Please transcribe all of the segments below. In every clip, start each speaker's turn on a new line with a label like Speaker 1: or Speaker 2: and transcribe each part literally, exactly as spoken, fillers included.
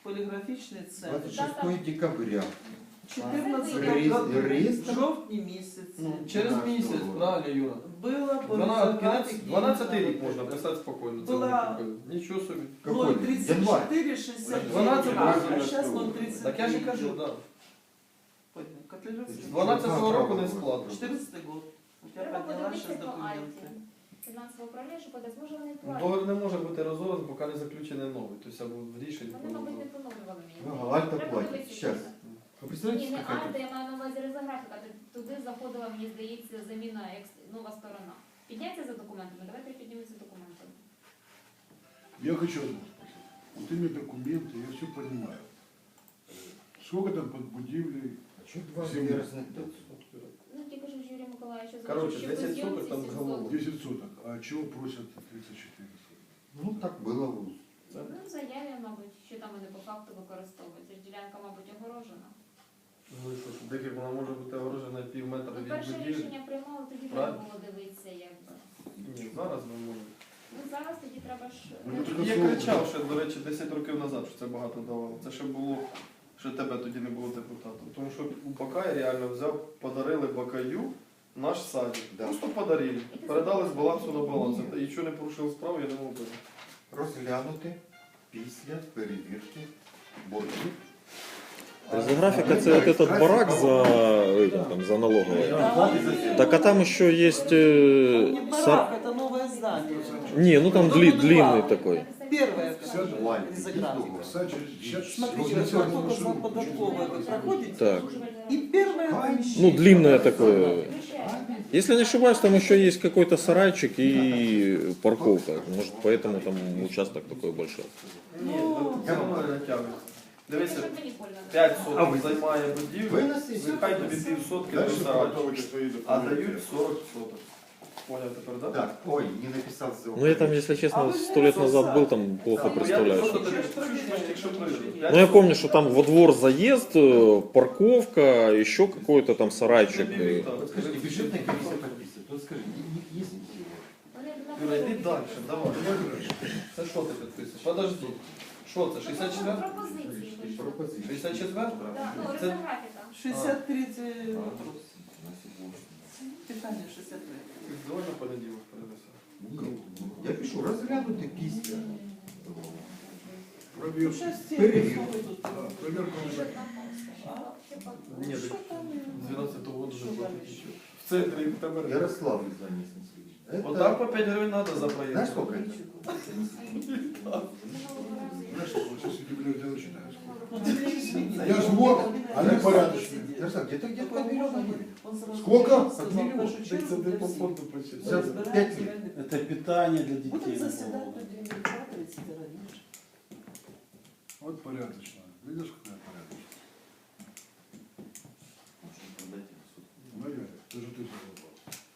Speaker 1: поліграфічний центр.
Speaker 2: двадцять шостого декабря.
Speaker 1: чотирнадцятого
Speaker 2: Реєстр.
Speaker 1: жовтні місяці.
Speaker 3: Ну, через місяць, правильно, Юра.
Speaker 1: Було по
Speaker 3: дванадцятий
Speaker 1: результатах
Speaker 3: дванадцятий рік можна писати спокійно. Це
Speaker 1: Була-
Speaker 3: ми купили. Нічого собі.
Speaker 1: ноль
Speaker 2: Какой?
Speaker 1: тридцять
Speaker 2: Январь.
Speaker 1: чотири шістдесят
Speaker 3: дванадцятого
Speaker 1: дев'ять, а зараз ноль тридцять.
Speaker 3: Так я ж і кажу, так.
Speaker 1: Котлеровский.
Speaker 3: З дванадцятого року не сплата.
Speaker 1: четырнадцатый год. У тебя
Speaker 4: Треба
Speaker 1: подняла
Speaker 4: подивитися
Speaker 1: сейчас
Speaker 4: по Альті.
Speaker 1: документы.
Speaker 4: Фінансове управління, що подасть, може вони платять.
Speaker 3: Договір не може бути розорваний, поки не заключений новий. Тобто або в рішенні.
Speaker 4: Вони, мабуть, не поновлювали мені.
Speaker 2: Ага, Альта
Speaker 4: Треба
Speaker 2: платить.
Speaker 4: подивитися,
Speaker 2: Щас.
Speaker 4: що
Speaker 2: Вы
Speaker 4: це.
Speaker 2: представляете,
Speaker 4: Ні, не
Speaker 2: какая
Speaker 4: Альта, я маю на увазі резографіка. Туди заходила, мені здається, заміна екс- нова сторона. Підняться за документами, давайте піднімемося за документами.
Speaker 5: Я хочу одно спросить. Вот именно документы, я все понимаю. Э, Сколько там под будивлей?
Speaker 2: А что два
Speaker 5: Земля.
Speaker 2: разных дат?
Speaker 4: Ну, тільки ж Юрій Миколаївич, що
Speaker 3: Короче,
Speaker 4: що
Speaker 3: десять
Speaker 4: по зйомці
Speaker 3: соток там
Speaker 4: сім
Speaker 3: голову.
Speaker 4: соток.
Speaker 5: десять соток. А чего просят тридцать четыре соток?
Speaker 2: Ну так было в УЗ.
Speaker 4: Ну, в заяві, мабуть, що там вони по факту використовують. Ця ж ділянка, мабуть, огорожена.
Speaker 3: Ну і що, декілька вона може бути огорожена пів метра
Speaker 4: Ну,
Speaker 3: від
Speaker 4: перше
Speaker 3: будівлі.
Speaker 4: рішення приймали, тоді треба
Speaker 3: Правильно.
Speaker 4: було дивитися, якби.
Speaker 3: Ні, зараз ми можемо.
Speaker 4: Ну, зараз тоді треба ж...
Speaker 5: Ну,
Speaker 4: ну,
Speaker 5: так
Speaker 3: Я кричав ще, до речі, десять років назад, що це багато давало. Це ще було, що тебе тоді не було депутатом. Тому що у Бакая реально взяв, подарили Бакаю наш садик.
Speaker 2: Да.
Speaker 3: Просто подарили. Передали з балансу на баланс. І що не порушив справу, я не мог би.
Speaker 2: Розглянути після перевірки боргів.
Speaker 6: Резографика это вот этот барак за, этим, там, за налоговой. Так а там еще есть... э,
Speaker 1: Не
Speaker 6: сар-
Speaker 1: барак, это новое здание.
Speaker 6: Не, ну там дли- длинный такой.
Speaker 1: Первое,
Speaker 2: Валя,
Speaker 1: резографика.
Speaker 5: Кстати, сейчас
Speaker 1: Смотрите, вы как только за податковое вы проходите,
Speaker 6: Так.
Speaker 1: и первое помещение.
Speaker 6: Ну, длинное такое. Если не ошибаюсь, там еще есть какой-то сарайчик и парковка. Может, поэтому там участок такой большой.
Speaker 3: Ні, це воно не натягується. Дивися,
Speaker 4: Щоб мені больно.
Speaker 3: п'ять соток займає
Speaker 2: Ви
Speaker 3: будівлю,
Speaker 2: на сесії.
Speaker 3: нехай тобі пів сотки до
Speaker 5: дальше
Speaker 3: сарайчика.
Speaker 5: подготовите свои
Speaker 3: А
Speaker 5: документы.
Speaker 3: дають сорок соток. Поняв тепер, так?
Speaker 2: Так, ой, не написал ссылку.
Speaker 6: Ну, я там, если честно, сто лет назад был, там плохо представляю.
Speaker 3: Просто
Speaker 6: что-
Speaker 3: тобі чуть-чуть, якщо прийде.
Speaker 6: Ну, я помню, что там во двор заезд, э, парковка, еще какой-то там сарайчик. и-
Speaker 2: Скажите, бюджетная комиссия подписывает. Вот скажи, не- есть ли?
Speaker 4: Вони
Speaker 3: Юра, йди
Speaker 4: знаходять-
Speaker 3: далі, давай. Це що ти підписуєш? Подожди. Що це, шістдесят четвертий?
Speaker 4: Пропозиції пишуть.
Speaker 2: Пропозиция.
Speaker 3: шістдесят четвертий?
Speaker 4: Так, ну,
Speaker 3: Це-
Speaker 4: резографіка.
Speaker 1: шестьдесят третий вопрос. Питание шестьдесят третий.
Speaker 3: Давай на понеділок перенесемо.
Speaker 2: Ні, я пишу, розглянути після.
Speaker 5: Проверка.
Speaker 1: Сейчас все
Speaker 2: Перевірка.
Speaker 1: тут.
Speaker 5: А, проверка уже.
Speaker 3: Ні,
Speaker 1: Що
Speaker 3: так
Speaker 1: там?
Speaker 3: дванадцятого року
Speaker 1: Що
Speaker 3: не
Speaker 1: там
Speaker 3: платить.
Speaker 1: ще?
Speaker 3: В центрі тебе.
Speaker 2: Ярослав из Занесенский.
Speaker 3: Вот так по п'ять гривень надо за проезд.
Speaker 2: Знаешь, сколько это?
Speaker 5: Знаешь, вот сейчас эти блядь, дело читаю.
Speaker 1: Ну, ты мне извини.
Speaker 5: Я ж мог, а они порядочные.
Speaker 2: Ярослав, где-то где-то по миллиону будет.
Speaker 1: Он сразу
Speaker 5: Сколько?
Speaker 1: сказал,
Speaker 2: Под миллион.
Speaker 1: нашу чергу для всех.
Speaker 2: За пять лет.
Speaker 7: Это питание для детей.
Speaker 1: Будем заседать до девятого тридцать раньше.
Speaker 5: Вот порядочно. Видишь, какая порядочная? Мария, даже ты задолбал.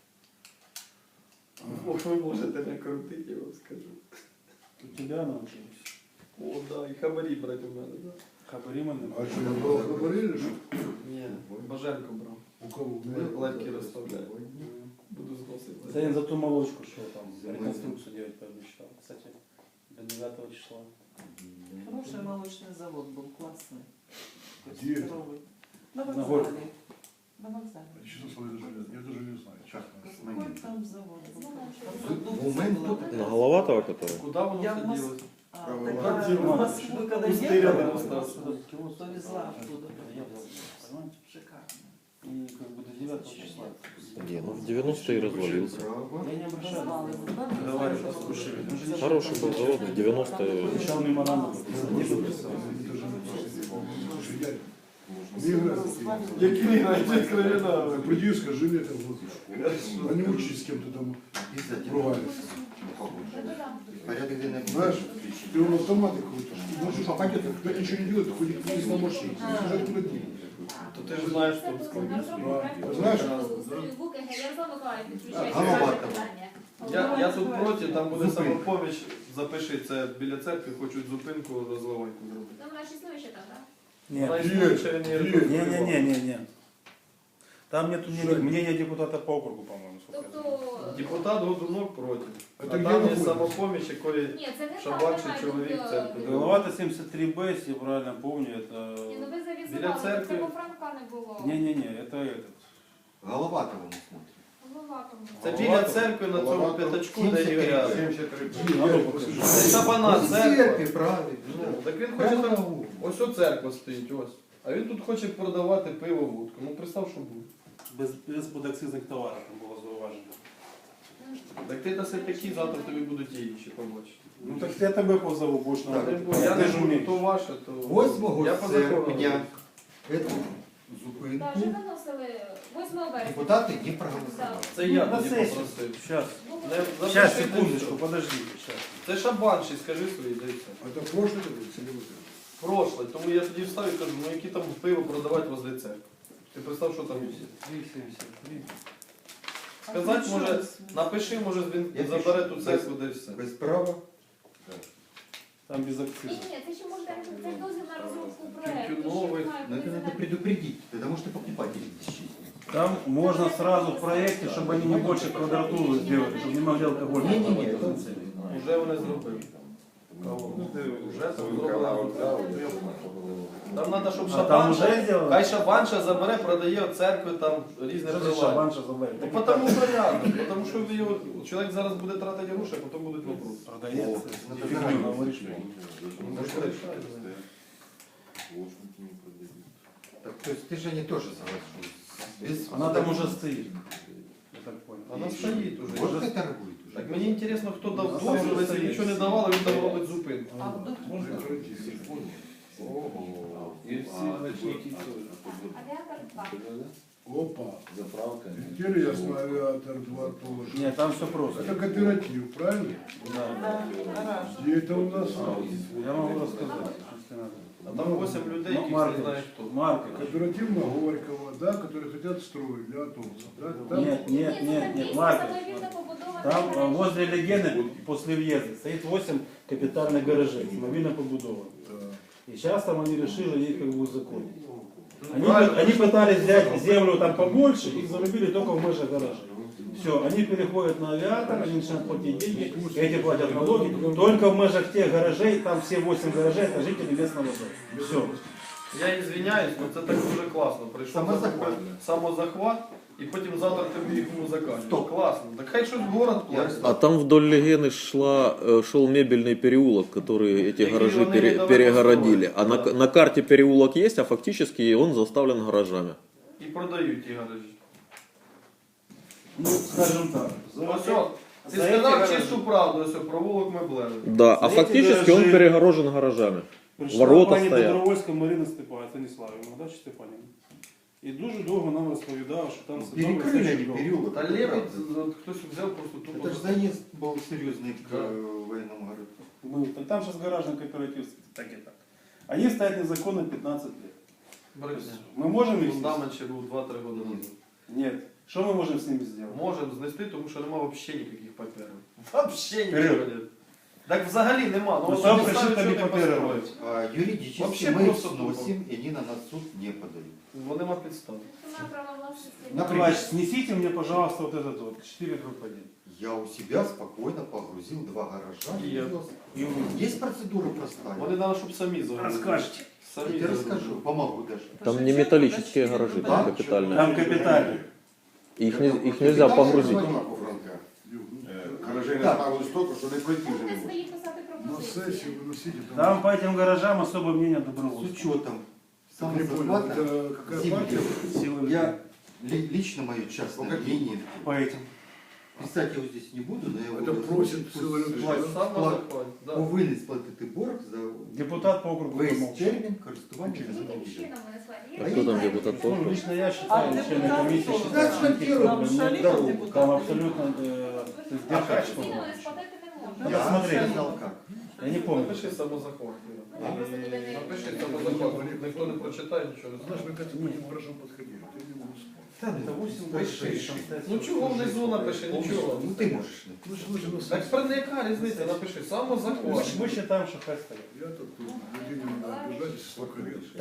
Speaker 3: Ох, ви можете не крутити, я вам скажу.
Speaker 7: У тебя научились.
Speaker 3: О, да, і хабарі брати у мене, да.
Speaker 7: Хабарима
Speaker 5: А что, я брал говорили, что?
Speaker 3: Ні, Баженко брав.
Speaker 5: У кого?
Speaker 3: Лайки розставляю. Буду зносити.
Speaker 7: Это я за ту молочку, что там реконструкцию делать пообещал. Кстати, до девятого числа.
Speaker 1: Хороший молочный завод был, классный.
Speaker 5: Где это?
Speaker 1: Здоровый. На
Speaker 7: На
Speaker 1: вокзале.
Speaker 7: Горького.
Speaker 1: На вокзале.
Speaker 5: Честно слово, я даже, я даже не знаю, честно.
Speaker 1: Какой там завод был?
Speaker 2: Момент
Speaker 1: Продукция
Speaker 6: На
Speaker 1: была.
Speaker 6: Головатого, который?
Speaker 3: Куди воно
Speaker 1: Я в
Speaker 3: все
Speaker 1: Мос-
Speaker 3: ділося?
Speaker 1: А,
Speaker 2: Правый
Speaker 1: тогда
Speaker 7: лад.
Speaker 1: в Москву, когда
Speaker 3: Пустырь
Speaker 1: ехала,
Speaker 3: рядом остался.
Speaker 1: повезла оттуда.
Speaker 7: Я был, понимаете?
Speaker 1: Шикарно.
Speaker 7: И как бы до девятого числа.
Speaker 6: Не, ну в девяностые развалился.
Speaker 2: Право.
Speaker 7: Я не обращал.
Speaker 1: Развал его, да?
Speaker 3: Давай,
Speaker 1: Знаешь,
Speaker 3: послушай.
Speaker 1: что-
Speaker 6: Хороший был завод, в девяностые.
Speaker 7: Обещал меморандум.
Speaker 5: Не подписал. Это же Слушай, я не играю.
Speaker 3: Які грають кровіна?
Speaker 5: Приди и скажи мне это в глаза. А не учись с кем-то там
Speaker 2: Обязательно.
Speaker 5: ругаешься.
Speaker 2: Порядок денег.
Speaker 5: Знаешь, ты он автоматы крутишь. Можешь попадет, кто ничего не делает, ты ходит вниз на машине. Бежать куда деньги.
Speaker 3: То ти ж знаєш, що складно.
Speaker 5: Знаєш?
Speaker 4: Ярослав Миколаївич, підключайте
Speaker 2: Голова
Speaker 4: ваше
Speaker 2: там.
Speaker 4: питання.
Speaker 3: Я, я тут проти, там буде
Speaker 2: Зупинка.
Speaker 3: самопоміч, запиши це біля церкви, хочуть зупинку розливаньку зробити.
Speaker 4: Там вона ж існує ще там, так?
Speaker 7: Нет.
Speaker 3: Вона існує,
Speaker 5: Є,
Speaker 3: ще не
Speaker 5: є.
Speaker 3: рекомендує.
Speaker 7: Не-не-не-не-не. Там нет мнения депутата по округу, по-моему. сколько я знаю.
Speaker 4: Тобто,
Speaker 3: Депутат Годунок проти.
Speaker 5: А
Speaker 3: А
Speaker 5: там
Speaker 3: там
Speaker 5: где
Speaker 3: є
Speaker 5: находится?
Speaker 3: самопоміч, якої
Speaker 4: ні, це не
Speaker 3: Шабанший
Speaker 4: так,
Speaker 3: чоловік
Speaker 4: немає,
Speaker 3: церкви.
Speaker 4: тут,
Speaker 7: Головата семьдесят три Б, если я правильно помню, это...
Speaker 4: Ні, ну ви
Speaker 3: Біля
Speaker 4: завізували,
Speaker 3: церкви.
Speaker 4: це по Франка не було.
Speaker 7: Не-не-не, это этот.
Speaker 8: Головатого мы смотрим.
Speaker 4: Голова там була.
Speaker 3: це біля церкви на цьому п'ятачку, де
Speaker 8: сімдесят три.
Speaker 3: Ігоря.
Speaker 7: Надо покажу.
Speaker 3: Це шабана
Speaker 8: Ну,
Speaker 3: церква.
Speaker 8: церкви, правильно.
Speaker 3: Ну, так він хоче там, ось о церква стоїть, ось. А він тут хоче продавати пиво, водку. Ну представ, що буде.
Speaker 7: Без, без подакцизних товарів там було зауважено.
Speaker 3: Так ти даси такі, завтра тобі будуть і інші побачити.
Speaker 7: Ну так я тебе позову, будеш на
Speaker 3: Так, Я не буду, то ваше, то...
Speaker 8: Восьмого
Speaker 3: Я по закону.
Speaker 8: серпня эту
Speaker 4: Так,
Speaker 8: зупинку
Speaker 4: вже виносили восьмого вересня.
Speaker 8: депутати не проголосували.
Speaker 3: Це я
Speaker 7: На
Speaker 3: тоді
Speaker 7: сесію.
Speaker 3: попросив.
Speaker 7: Сейчас.
Speaker 3: Не-
Speaker 7: Сейчас,
Speaker 3: запиши,
Speaker 7: секундочку,
Speaker 3: ти що?
Speaker 7: подождите. Сейчас.
Speaker 3: Це шабанший, скажи свої, дивіться.
Speaker 5: Это прошлый или целевой?
Speaker 3: Прошле, тому я тоді встав і кажу, ну які там пиво продавати возле церкви. Ти представ, що там є.
Speaker 7: три семьдесят три.
Speaker 3: Сказати, може, напиши, може він
Speaker 8: Я
Speaker 3: забере
Speaker 8: пишу.
Speaker 3: ту церкву, де все.
Speaker 8: Без права.
Speaker 7: Там без
Speaker 4: Ні,
Speaker 7: акциза.
Speaker 4: ні, це ще може це дозвіл на розробку проекту.
Speaker 3: Тютюновий.
Speaker 4: що має
Speaker 8: Но это
Speaker 4: бути
Speaker 8: надо
Speaker 4: на-
Speaker 8: предупредить, потому что покупатели исчезнут.
Speaker 7: Там можно сразу в проекте, чтобы они не больше квадратуру сделали, чтобы не могли алкоголь.
Speaker 8: Не-не-не, это-
Speaker 3: Вже вони зробили. Кого? Вже там зроблено. Там треба, щоб
Speaker 7: А там уже
Speaker 3: шабанша,
Speaker 7: сделали?
Speaker 3: хай шабанша забере, продає от церкви там різне
Speaker 7: Что за
Speaker 3: приладдя.
Speaker 7: шабанша забавит?
Speaker 3: Ну, потому порядок, потому що ви його, чоловік зараз буде тратити гроші, а потім будуть вопроси.
Speaker 7: Продается.
Speaker 8: О,
Speaker 7: Фигню
Speaker 8: это
Speaker 7: говоришь.
Speaker 3: Ну, що рішають?
Speaker 8: Так, то есть ты же не тоже соглашусь. Без
Speaker 7: Она там уже стоит. Я так понял.
Speaker 3: Вона стоїть уже.
Speaker 8: Вот это торгует уже.
Speaker 3: Так мені цікаво, хто дав
Speaker 7: Ну,
Speaker 3: дозвіл, якщо
Speaker 7: стоїть.
Speaker 3: нічого не давали, він там робить зупинку.
Speaker 1: А вдруг можно?
Speaker 2: И все ночники тоже.
Speaker 4: Авіатор два.
Speaker 5: Опа.
Speaker 2: Заправка.
Speaker 5: Теперь ясно, авиатор два тоже.
Speaker 7: Нет, там все просто.
Speaker 5: Это кооператив, правильно?
Speaker 7: Да.
Speaker 1: Да, гараж.
Speaker 5: Где это у нас?
Speaker 7: Я могу рассказать, если надо.
Speaker 3: А там вісім людей,
Speaker 7: Ну,
Speaker 3: яких не
Speaker 7: Маркович,
Speaker 3: знає хто.
Speaker 7: Маркович.
Speaker 5: Кооператив на Горького, да, которые хотят строить для автобусов. Да? Там
Speaker 7: Нет, нет, нет, нет, Маркович. Там э, возле легенды, после въезда, стоит восемь капитальных гаражей, мобильно побудовано.
Speaker 5: Да.
Speaker 7: И сейчас там они решили их как бы узаконить. Они,
Speaker 3: Правильно.
Speaker 7: они пытались взять землю там побольше, их зарубили только в межах гаражей. Все, они переходят на авиатор, они начинают платить деньги, эти платят налоги. Только в межах тех гаражей, там все восемь гаражей, это жители местного дома. Все.
Speaker 3: Я извиняюсь, але це так дуже класно. Прийшов
Speaker 8: Самозахват.
Speaker 3: такой самозахват, і потім завтра тобі їх музикальні.
Speaker 8: Стоп.
Speaker 3: Класно. Так хай щось город платить.
Speaker 6: А там вдоль Легены шла, э, шел мебельный переулок, который эти
Speaker 3: Такие
Speaker 6: гаражи
Speaker 3: он
Speaker 6: пере-
Speaker 3: именно
Speaker 6: перегородили. А на,
Speaker 3: построили.
Speaker 6: на карте переулок есть, а фактически он заставлен гаражами.
Speaker 3: І продають ті гаражі.
Speaker 7: Ну, скажем так. за-
Speaker 3: Ось о, ти
Speaker 7: за эти
Speaker 3: сказав
Speaker 7: гаражи.
Speaker 3: чисту правду, ось о, провулок меблевий.
Speaker 6: Да, а
Speaker 7: За эти
Speaker 6: фактически он
Speaker 7: гаражи-
Speaker 6: перегорожен гаражами.
Speaker 7: Прийшла
Speaker 6: Ворота
Speaker 7: пані
Speaker 6: стоять.
Speaker 7: Добровольська Марина Степа, Станіславівна, да, чи Степанівна? І дуже довго нам розповідала, що там садовий
Speaker 8: Перекрыли они
Speaker 7: садочок.
Speaker 8: переулок.
Speaker 3: Та
Speaker 8: это
Speaker 3: лепить,
Speaker 8: правда.
Speaker 3: от хтось взяв просто тупо.
Speaker 8: Это же заезд был серьезный к
Speaker 3: Да.
Speaker 8: э, военному городу.
Speaker 7: Мы, там, там сейчас гаражный кооператив, так и так. Они стоят незаконно пятнадцать лет.
Speaker 3: Брехня.
Speaker 7: Мы можем их снести?
Speaker 3: Фундамент ще був два-три роки назад.
Speaker 7: Нет. Что мы можем с ними сделать?
Speaker 3: Можемо знести, тому що нема взагалі ніяких паперів. Взагалі нічого
Speaker 7: Кирил.
Speaker 3: нет. Так взагалі нема.
Speaker 7: Ну,
Speaker 3: Ну,
Speaker 7: сам
Speaker 3: вони
Speaker 7: пришли,
Speaker 3: ставлять,
Speaker 7: там
Speaker 3: що
Speaker 7: и
Speaker 3: не
Speaker 7: паперы
Speaker 3: построїть.
Speaker 8: А юридически
Speaker 3: Вообще
Speaker 8: мы их
Speaker 3: просто
Speaker 8: сносим, и они на нас в суд не подают.
Speaker 3: Бо нема підстав.
Speaker 4: Вона право власності.
Speaker 8: Наприклад.
Speaker 7: Николаевич, снесите мне, пожалуйста, вот этот вот, четыре дробь один.
Speaker 8: Я у себя спокойно погрузил два гаража.
Speaker 3: И я-
Speaker 7: И вы
Speaker 8: Есть процедура простая.
Speaker 3: Вони треба, щоб самі загрузили.
Speaker 7: расскажете.
Speaker 3: Самі
Speaker 8: Я тебе
Speaker 3: загрузили.
Speaker 8: расскажу, помогу даже.
Speaker 6: Там не металлические гаражи, там
Speaker 8: Да?
Speaker 6: капитальные.
Speaker 7: Там капитально.
Speaker 6: Их, не- их нельзя погрузить.
Speaker 5: Гаражей
Speaker 8: Так.
Speaker 5: наставили столько, що не пройти вже
Speaker 4: Будете
Speaker 5: не
Speaker 4: свої писати
Speaker 5: На
Speaker 4: пропозиції.
Speaker 5: сессию выносите
Speaker 7: Там по этим гаражам особое мнение
Speaker 8: С
Speaker 7: добровольцев.
Speaker 8: учетом
Speaker 5: Не понял,
Speaker 8: самозахвата,
Speaker 5: это какая
Speaker 8: земли.
Speaker 5: партия?
Speaker 7: Силы
Speaker 8: Я ли- лично мое частное мнение,
Speaker 7: по этим.
Speaker 8: писать я его здесь не буду, но я его
Speaker 5: Это
Speaker 8: озвучу.
Speaker 5: просит
Speaker 8: Пусть
Speaker 5: целый ряд
Speaker 8: сплатит-
Speaker 3: Сам
Speaker 8: сплат-
Speaker 3: захват. Да.
Speaker 8: Повинен сплатити борг за
Speaker 7: Депутат по округу
Speaker 8: весь
Speaker 7: помолчал.
Speaker 8: термін користування
Speaker 4: Яким
Speaker 8: землею.
Speaker 4: чином вони складі?
Speaker 6: А кто там депутат?
Speaker 7: Ну, лично я
Speaker 1: А
Speaker 7: считаю, члены
Speaker 1: депутаты
Speaker 7: комиссии
Speaker 1: тоже.
Speaker 7: считают, что
Speaker 8: Асфальтируют
Speaker 7: таких
Speaker 1: Там
Speaker 7: проблем нет.
Speaker 1: шалит
Speaker 8: дорогу.
Speaker 1: депутат.
Speaker 7: Там абсолютно э, то есть
Speaker 3: А
Speaker 7: держать
Speaker 3: как?
Speaker 7: что
Speaker 4: Ціни
Speaker 7: угодно.
Speaker 4: вони сплатити не можуть.
Speaker 8: Я
Speaker 7: посмотри.
Speaker 8: сказал как.
Speaker 7: Я не помню.
Speaker 3: Напиши самозахват. Іра.
Speaker 4: Ну, я просто туди не-
Speaker 3: Напиши самозахват. Ніхто не прочитає нічого. не
Speaker 5: Знаешь,
Speaker 3: знає.
Speaker 5: мы к этому не хорошо подходили. Ты не можешь вспомнить.
Speaker 7: Это восемь
Speaker 8: Пиши.
Speaker 7: гаражей, там стоят
Speaker 3: Ну чого внизу напиши, нічого.
Speaker 8: Ну ти можеш написати.
Speaker 5: Ну что же у нас?
Speaker 3: Так про яка різниця, напиши, самозахват.
Speaker 7: Мы считаем, что хай стоят.
Speaker 5: Я тут людей не надо обижать, столько лет.
Speaker 8: Там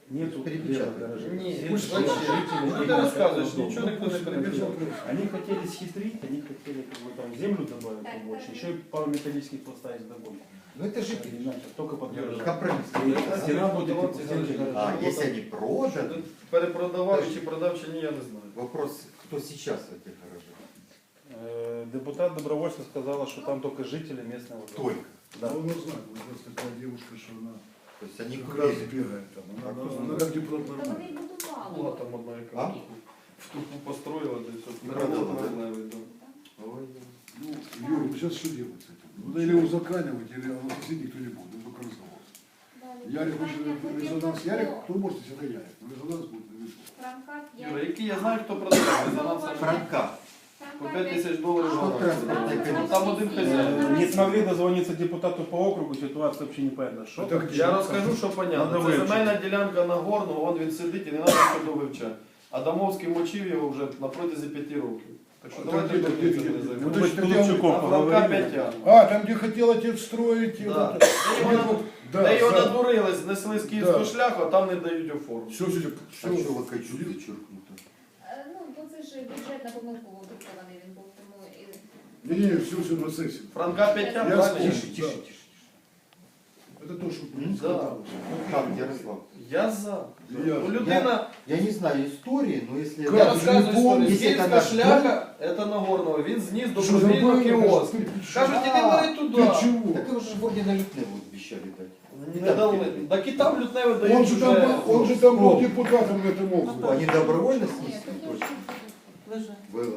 Speaker 7: Нету
Speaker 8: Перепечатать.
Speaker 7: левых гаражей.
Speaker 3: Ні,
Speaker 7: Все
Speaker 3: вообще,
Speaker 7: жители
Speaker 3: ну ти
Speaker 7: имеют
Speaker 3: розказуєш,
Speaker 7: дом.
Speaker 3: нічого ніхто не перебіжав.
Speaker 7: Они хотели схитрить, они хотели как бы там землю добавить
Speaker 4: Так,
Speaker 7: побольше,
Speaker 4: так.
Speaker 7: еще и пару металлических поставить вдогонку.
Speaker 8: Ну это жители.
Speaker 7: Иначе только под гаражи.
Speaker 8: Компромисс.
Speaker 7: И стена будет и по стенке
Speaker 8: А,
Speaker 7: гаража.
Speaker 8: если они проданы,
Speaker 3: Перепродавав чи продав, чи ні, я не знаю.
Speaker 8: вопрос, кто сейчас в этих гаражах?
Speaker 7: Э, Депутат добровольцев сказала, что там только жители местного. дома.
Speaker 8: Только.
Speaker 7: Да.
Speaker 5: Да. Он не знает, у нас такая девушка, что она
Speaker 8: То есть они
Speaker 5: как раз
Speaker 8: курили.
Speaker 5: бегает там. Она,
Speaker 8: А кто
Speaker 5: она как депутат
Speaker 4: Та
Speaker 5: нормально.
Speaker 4: вони й будували.
Speaker 3: Була там одна яка
Speaker 8: А?
Speaker 3: в тупу построїла, десь от
Speaker 8: І
Speaker 3: переробила
Speaker 8: продала, да?
Speaker 3: левий дом.
Speaker 8: Ой,
Speaker 5: Ну, Юр, ну сейчас что делать с этим? Ну, или узаканивать, или относить никто не будет. Это только разговор.
Speaker 4: Далі.
Speaker 5: Ярик хочет
Speaker 4: Питання
Speaker 5: резонанс.
Speaker 4: по
Speaker 5: Ярик,
Speaker 4: типу
Speaker 5: кто может, это Ярик. Но резонанс будет на виду.
Speaker 4: Франка
Speaker 3: Юра,
Speaker 4: п'ять.
Speaker 3: який я знаю, хто продав. Резонанс
Speaker 8: Франка.
Speaker 3: по п'ять тисяч доларів.
Speaker 8: Що
Speaker 3: гора.
Speaker 8: транспортна
Speaker 3: Ну,
Speaker 8: комісія?
Speaker 3: там один хазяїн.
Speaker 7: Э, Не смогли дозвониться депутату по округу, ситуация вообще непонятна. Что
Speaker 5: Это
Speaker 7: там?
Speaker 5: где?
Speaker 3: Я розкажу, що
Speaker 7: Надо
Speaker 3: понятно. Це
Speaker 7: вивчити.
Speaker 3: земельна ділянка Нагорного, он він сидить і не треба ходу вивчати. Адамовський мочив його вже на протязі п'яти років. Так що
Speaker 5: А
Speaker 3: давайте
Speaker 5: там де-
Speaker 3: будемо
Speaker 5: де-
Speaker 3: цим
Speaker 5: де-
Speaker 3: не
Speaker 5: де-
Speaker 3: займатися.
Speaker 5: Ну,
Speaker 7: Мы
Speaker 5: то
Speaker 7: с
Speaker 5: есть
Speaker 7: Тулупчуком
Speaker 3: А Франка
Speaker 7: поговорили.
Speaker 3: п'ять.
Speaker 5: А, там, где хотел отец строить. и
Speaker 3: Да.
Speaker 5: вот это.
Speaker 3: Де його,
Speaker 5: Вот, да,
Speaker 3: де його
Speaker 5: да.
Speaker 3: надурили, знесли з київського
Speaker 5: Да.
Speaker 3: шляху, а там не дають оформити.
Speaker 5: Все, все,
Speaker 8: А
Speaker 5: все.
Speaker 8: что Локачу зачеркнуто?
Speaker 4: Е, Ну, бо це ж бюджетна помилково друкований він був, тому і...
Speaker 5: Не-не, все, все на сексе.
Speaker 3: Франка п'ять,
Speaker 5: Я
Speaker 3: правильно?
Speaker 8: Тише,
Speaker 5: Да.
Speaker 8: тише, тише.
Speaker 5: Это то, что
Speaker 8: М?
Speaker 5: сказал.
Speaker 8: Как, Ярослав?
Speaker 3: Я за.
Speaker 5: Я-
Speaker 3: Ну, людина,
Speaker 8: Я не знаю истории, но если...
Speaker 5: Как?
Speaker 3: я
Speaker 5: ти
Speaker 3: розказую
Speaker 5: не помниш,
Speaker 3: історію. З
Speaker 8: якщо
Speaker 3: київська
Speaker 8: це
Speaker 3: шляха, це Нагорного, він зніс
Speaker 5: Что
Speaker 3: добровільно
Speaker 5: забыл?
Speaker 3: кіоск.
Speaker 5: Ты
Speaker 3: Кажуть, іди
Speaker 8: А,
Speaker 3: бери туди.
Speaker 5: Ты чего?
Speaker 8: Так его же вроде на Лютневу обещали дать.
Speaker 3: Не дали. Так і там лютневе
Speaker 5: Он
Speaker 3: дають
Speaker 5: же
Speaker 3: вже.
Speaker 5: там был, он же там был
Speaker 8: Сколько?
Speaker 5: депутатом в этом
Speaker 8: Что,
Speaker 5: округе.
Speaker 8: они добровольно
Speaker 4: Ні,
Speaker 8: снесли?
Speaker 4: тут
Speaker 8: Точно.
Speaker 1: Лежать.
Speaker 8: Было.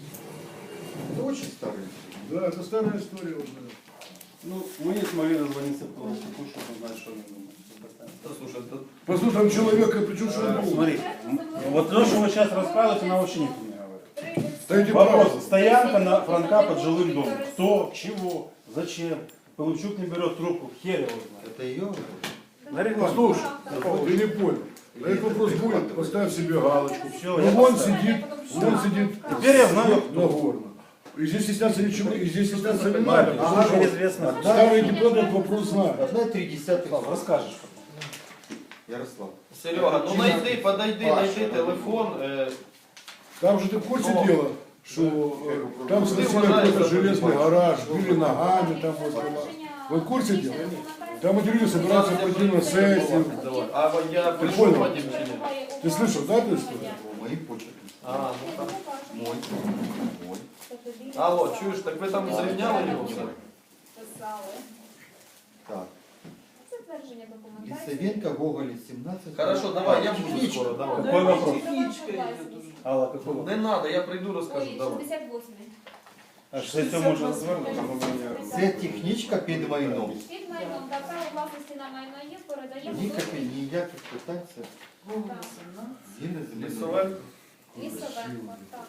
Speaker 8: Это очень старый.
Speaker 5: Да, это старая история уже.
Speaker 7: Ну, мы не смогли дозвониться к Тулупчуку, чтобы узнать, что они думают.
Speaker 3: Та, слушай, та-
Speaker 5: Послушай, там человека, причем что
Speaker 7: Э,
Speaker 5: он был?
Speaker 7: Смотри, вот то, что вы сейчас рассказываете, нам вообще никто не говорит.
Speaker 5: Да иди
Speaker 7: Вопрос.
Speaker 5: правда.
Speaker 7: Стоянка на Франка под жилым домом. Кто, чего, зачем? Полупчук не берет трубку, хер его знает.
Speaker 8: Это ее?
Speaker 7: На рекламе.
Speaker 5: Послушай, ты не понял. На этот вопрос будет, поставь себе галочку.
Speaker 7: Все,
Speaker 5: Ну
Speaker 7: я
Speaker 5: вон
Speaker 7: поставил.
Speaker 5: сидит, вон сидит.
Speaker 7: Теперь я знаю, кто.
Speaker 5: Нагорно. И здесь стесняться ничего, и здесь стесняться не
Speaker 7: Марtin,
Speaker 5: надо.
Speaker 7: слушай, неизвестно.
Speaker 5: Старые депутаты этот вопрос знают.
Speaker 8: Одна и три десятых.
Speaker 7: Расскажешь.
Speaker 8: Ярослав.
Speaker 3: Серега, ну найди, подойди,
Speaker 8: Паша,
Speaker 3: найди телефон. е,
Speaker 5: Там же ты в курсе
Speaker 3: Но-
Speaker 5: дела, что э, там
Speaker 3: Ты
Speaker 5: сносили
Speaker 3: уважаешь
Speaker 5: какой-то
Speaker 3: за
Speaker 5: железный
Speaker 3: это.
Speaker 5: гараж, били ногами там вот. Вы в курсе дела? Там эти люди собираются пойти на сессию.
Speaker 3: Давай. А вот я
Speaker 5: Ты
Speaker 3: прийшов
Speaker 5: понял?
Speaker 3: потім чи ні?
Speaker 5: Ты слышал, да, эту историю?
Speaker 8: Мои почерки.
Speaker 3: А, ну так.
Speaker 8: Мой. Мой.
Speaker 3: Алло, чуєш, так ви там зрівняли його все?
Speaker 4: Писали.
Speaker 8: Так.
Speaker 4: Це твердження документації.
Speaker 8: Лисовенко, Гоголя, семнадцать.
Speaker 3: Хорошо, давай, я буду
Speaker 8: Техничка.
Speaker 3: скоро, давай.
Speaker 7: Какой вопрос?
Speaker 1: Технічка йде дуже.
Speaker 7: Алла, какой вопрос?
Speaker 3: Не надо, я прийду розкажу,
Speaker 4: Ой,
Speaker 3: давай.
Speaker 4: шістдесят восьмий.
Speaker 7: А что это можно звернути?
Speaker 8: Це технічка під майном.
Speaker 4: Під майном та право власності на майно є, передаємо
Speaker 8: Ніяких, ніяких питань це
Speaker 1: Вовна сімнадцять.
Speaker 8: згідно з
Speaker 3: Лісове.
Speaker 4: Лісовенко. Так.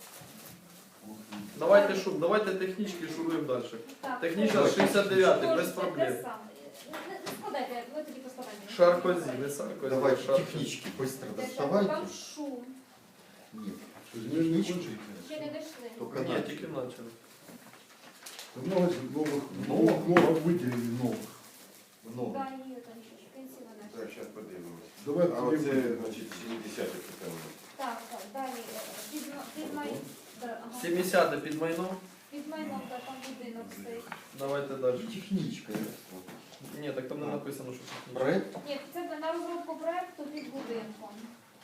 Speaker 3: Давайте шум, давайте технічки шуруємо далі.
Speaker 4: Так.
Speaker 3: Технічна шістдесят дев'ятий, без
Speaker 4: Можете
Speaker 3: проблем.
Speaker 4: те саме. Не- не складайте, ви тоді поскладайте.
Speaker 3: Шаркозі, не Саркозі.
Speaker 8: Давай
Speaker 3: Шаркозі.
Speaker 8: технічки быстро
Speaker 4: Те, що
Speaker 8: доставайте.
Speaker 4: Там шум.
Speaker 8: Нет.
Speaker 5: Технички.
Speaker 4: Ще не дійшли.
Speaker 8: Только
Speaker 3: Ні,
Speaker 8: начали.
Speaker 3: тільки почали.
Speaker 5: Много новых, много, много выделили новых.
Speaker 8: Много.
Speaker 4: Да, є там ще ж пенсіонер.
Speaker 9: Так, зараз подивимось.
Speaker 5: Давай
Speaker 9: А
Speaker 5: тоді
Speaker 9: оце,
Speaker 5: будемо.
Speaker 9: значить, сімдесяте питання.
Speaker 4: Так, так, далі. е, Під, ма- під, май... да, ага.
Speaker 3: сімдесяте під майном.
Speaker 4: Під майном, да, там будинок стоїть.
Speaker 3: Давайте далі.
Speaker 8: Технічка, Ярослав.
Speaker 3: Ні, так там не написано, що технічна.
Speaker 8: Проект.
Speaker 4: Ні, це на розробку проекту під будинком.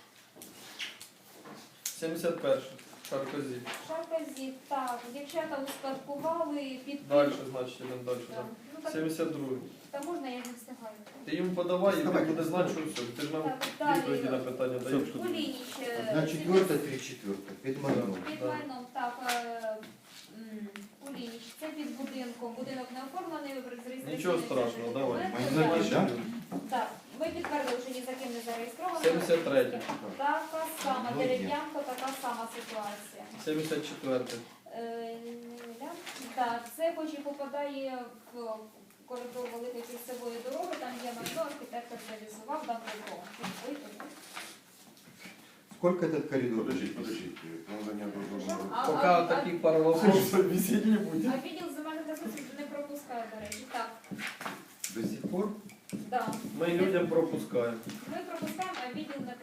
Speaker 3: сімдесят перше. Шаркозі.
Speaker 4: Шарказі, так, дівчата успадкували під...
Speaker 3: Далі, значить, йдемо далі.
Speaker 4: Так.
Speaker 3: так.
Speaker 4: Ну, так,
Speaker 3: сімдесят другий.
Speaker 4: та можна, я не встигаю.
Speaker 3: Ти йому подавай, і він буде знати, що все. Ти ж нам
Speaker 4: Так, далі.
Speaker 3: відповіді на питання даєш.
Speaker 4: Кулініч. е,
Speaker 8: Одна четверта, три четверта. Під майном.
Speaker 4: Під майном, так, е, м, Кулініч, це під будинком. Будинок не оформлений, ви реєстраційний.
Speaker 3: Нічого страшного, давай.
Speaker 8: Майно, да?
Speaker 4: Так, ми підтвердили, що ні за ким не зареєстровано.
Speaker 3: сімдесят третє.
Speaker 4: Така сама,
Speaker 8: Ну,
Speaker 4: дерев'янка, така сама ситуація.
Speaker 3: сімдесят четверте.
Speaker 4: Е, ля. Так, це хоч і попадає в коридор великої кільцевої дороги, там є майно, архітектор реалізував дав добро.
Speaker 8: Сколько этот коридор?
Speaker 9: Подождіть, подождіть. Надання дозволу.
Speaker 4: А-
Speaker 3: Поки
Speaker 4: а-
Speaker 3: таких пару вопросов висеть не буде.
Speaker 4: А відділ земельних ресурсів не пропускає, до речі. Так,
Speaker 8: До сих пор?
Speaker 4: да.
Speaker 3: Ми людям пропускаємо.
Speaker 4: Ми пропускаємо, а відділ не пропускає.